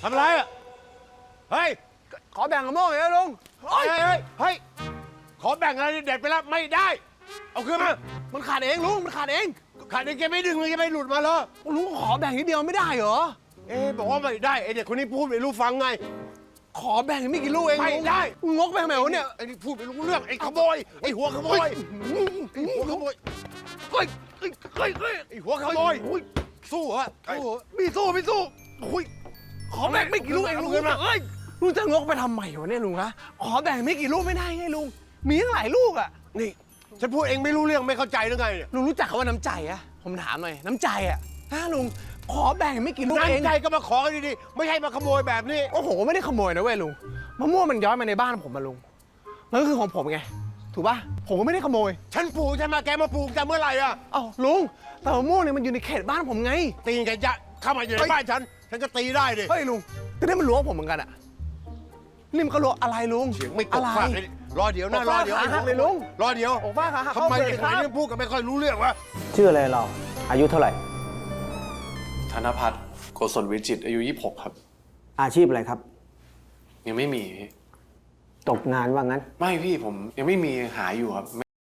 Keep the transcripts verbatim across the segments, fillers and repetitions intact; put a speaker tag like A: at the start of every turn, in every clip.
A: ทำอะไรอ่ะเฮ้ย
B: ขอแบ่งกับโม่หน่อยนะลุง
A: เฮ้ยเฮ้ยเฮ้ยขอแบ่งอะไรเด็ดไปแล้วไม่ได้เอาคืนมา
B: มันขาดเองลุงมันขาดเอง
A: ขาดเองแกไม่ดึงเลยแกไม่หลุดมาเหรอ
B: ลุงขอแบ่งนิดเดียวไม่ได้เหรอ
A: เอ๊บอกว่าไม่ได้ไอเด็กคนนี้พูดไม่รู้ฟังไง
B: ขอแบ่งไม่กี่ลูกเอง
A: ไม่ได้
B: งกไปทำไมวะเนี่ย
A: ไอ้นี่พูดไม่รู้เรื่องไอ้ขโมยไอ้หัวขโมยไอ้หัวขโมยเฮ้ยเฮ้ยเฮ้ยเฮ้ยไอ้หัวขโมยสู้เหรอสู้มีสู้ไม่สู้โอ้ย
B: ขอแบ่งไม่กี่ลูกเองลุงเอ้ยลุงจะงกไปทำไมวะเนี่ยลุงคะขอแบ่งไม่กี่ลูกไม่ได้ไงลุงมีตั้งหลายลูกอ่ะ
A: นี่ฉันพูดเองไม่รู้เรื่องไม่เข้าใจหรือไงเนี่ย
B: ลุงรู้จักคำว่าน้ำใจอะผมถามหน่อยน้ำใจอะฮะลุงขอแบ่งไม่กี่ลูกเอง
A: น้ำใจก็มาขอกันดีๆไม่ใช่มาขโมยแบบนี้
B: โอ้โหไม่ได้ขโมยนะเว้ยลุงมะม่วงมันย้อยมาในบ้านผมมาลุงมันก็คือของผมไงถูกป่ะผมก็ไม่ได้ขโมย
A: ฉันปลูกฉันมาแกมาปลูกแต่เมื่อไหร่อ่ะ
B: เอ้าลุงแต่มะม่วงเนี่ยมันอยู่ในเขตบ้านผมไง
A: ตีกันจะเข้ามาอยู่ในบ้านฉันฉันก็ตีได้ดิ
B: เฮ้ยลุงแต่นี่มันรั้วผมเหมือนกันอะนี่มันก็รั้วอะไรลุง
A: เสียงไม่ตกฟาดเลยรอเดี๋ยวนะรอเดี๋ยว
B: เลยลุง
A: รอเดี๋ยว
B: โอ้ฟ้าขา
A: ทำไมเด็กคนนี้พูดกันไม่ค่อยรู้เรื่องวะ
C: ชื่ออะไรเราอายุเท่าไหร่
D: ธนพัฒน์โกศลวิจิตรอายุยี่สิบหกครับ
C: อาชีพอะไรครับ
D: ยังไม่มี
C: ตกงานว่างั้น
D: ไม่พี่ผมยังไม่มีหาอยู่ครับ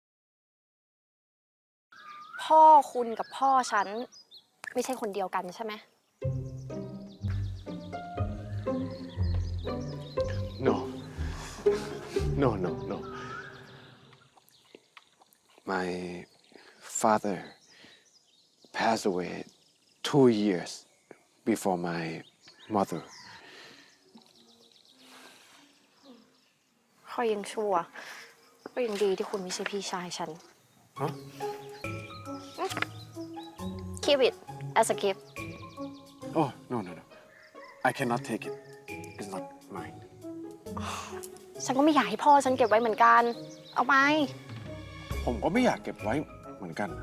E: พ่อคุณกับพ่อฉันไม่ใช่คนเดียวกันใช่ไหม
D: no no no no my father passed away two years before my mother
E: ค่อยยังชั่วก็ยังดีที่คุณไม่ใช่พี่ชายฉัน
D: huh?
E: Keep it as a gift
D: oh no no no I cannot take it it's not mine
E: ฉันก็ไม่อยากให้พ่อฉันเก็บไว้เหมือนกันเอาไป
D: ผมก็ไม่อยากเก็บไว้เหมือนกัน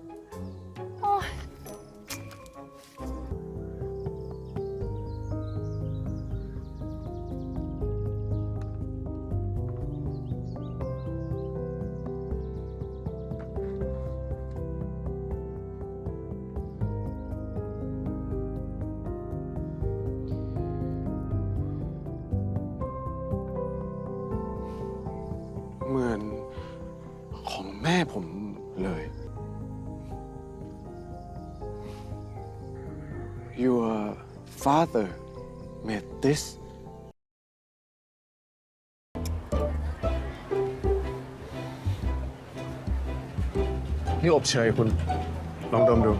D: เหมือนของแม่ผมเลย Your father made this นี่อบเชยคุณลองดมดู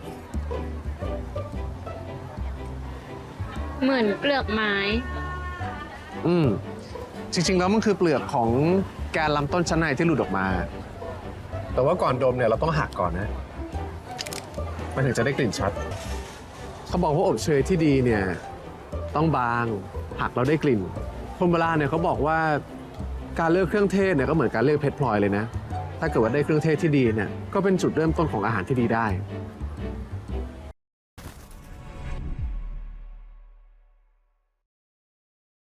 F: เหมือนเปลือกไม้
B: อืมจริงๆแล้วมันคือเปลือกของแกนลำต้นชั้นในที่หลุดออกมาแต่ว่าก่อนดมเนี่ยเราต้องหักก่อนนะมันถึงจะได้กลิ่นชัดเขาบอกว่าอบเชยที่ดีเนี่ยต้องบางหักแล้วได้กลิ่นคนโบราณเนี่ยเขาบอกว่าการเลือกเครื่องเทศเนี่ยก็เหมือนการเลือกเพชรพลอยเลยนะถ้าเกิดว่าได้เครื่องเทศที่ดีเนี่ยก็เป็นจุดเริ่มต้นของอาหารที่ดีได้